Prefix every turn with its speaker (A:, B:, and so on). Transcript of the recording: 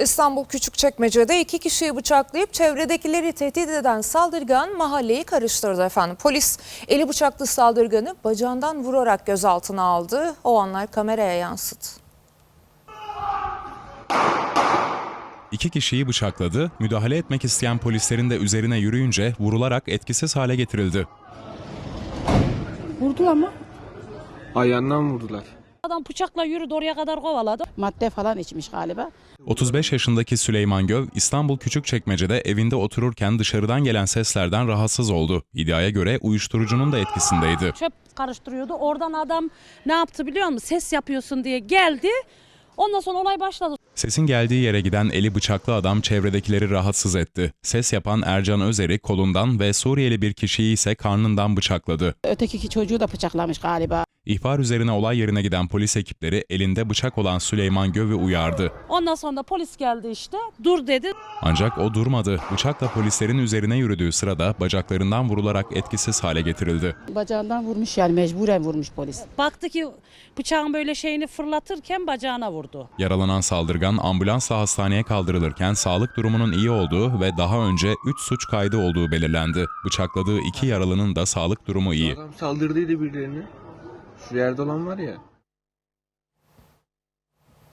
A: İstanbul Küçükçekmece'de 2 kişiyi bıçaklayıp çevredekileri tehdit eden saldırgan mahalleyi karıştırdı efendim. Polis eli bıçaklı saldırganı bacağından vurarak gözaltına aldı. O anlar kameraya yansıdı.
B: 2 kişiyi bıçakladı, müdahale etmek isteyen polislerin de üzerine yürüyünce vurularak etkisiz hale getirildi.
C: Vurdular mı?
D: Ayağından vurdular.
C: Adam bıçakla yürüdü, oraya kadar kovaladı. Madde falan içmiş galiba.
B: 35 yaşındaki Süleyman Göv, İstanbul Küçükçekmece'de evinde otururken dışarıdan gelen seslerden rahatsız oldu. İddiaya göre uyuşturucunun da etkisindeydi.
C: Çöp karıştırıyordu. Oradan adam ne yaptı biliyor musun? Ses yapıyorsun diye geldi. Ondan sonra olay başladı.
B: Sesin geldiği yere giden eli bıçaklı adam çevredekileri rahatsız etti. Ses yapan Ercan Özer'i kolundan ve Suriyeli bir kişiyi ise karnından bıçakladı.
E: Öteki iki çocuğu da bıçaklamış galiba.
B: İhbar üzerine olay yerine giden polis ekipleri elinde bıçak olan Süleyman Göv'ü uyardı.
C: Ondan sonra da polis geldi işte. Dur dedi.
B: Ancak o durmadı. Bıçakla polislerin üzerine yürüdüğü sırada bacaklarından vurularak etkisiz hale getirildi.
E: Bacağından vurmuş, yani mecburen vurmuş polis.
C: Baktı ki bıçağın böyle şeyini fırlatırken bacağına vurdu.
B: Yaralanan saldırgan ambulansla hastaneye kaldırılırken sağlık durumunun iyi olduğu ve daha önce 3 suç kaydı olduğu belirlendi. Bıçakladığı 2 yaralının da sağlık durumu iyi.
D: Adam saldırdıydı birilerine. Şu yerde olan var ya.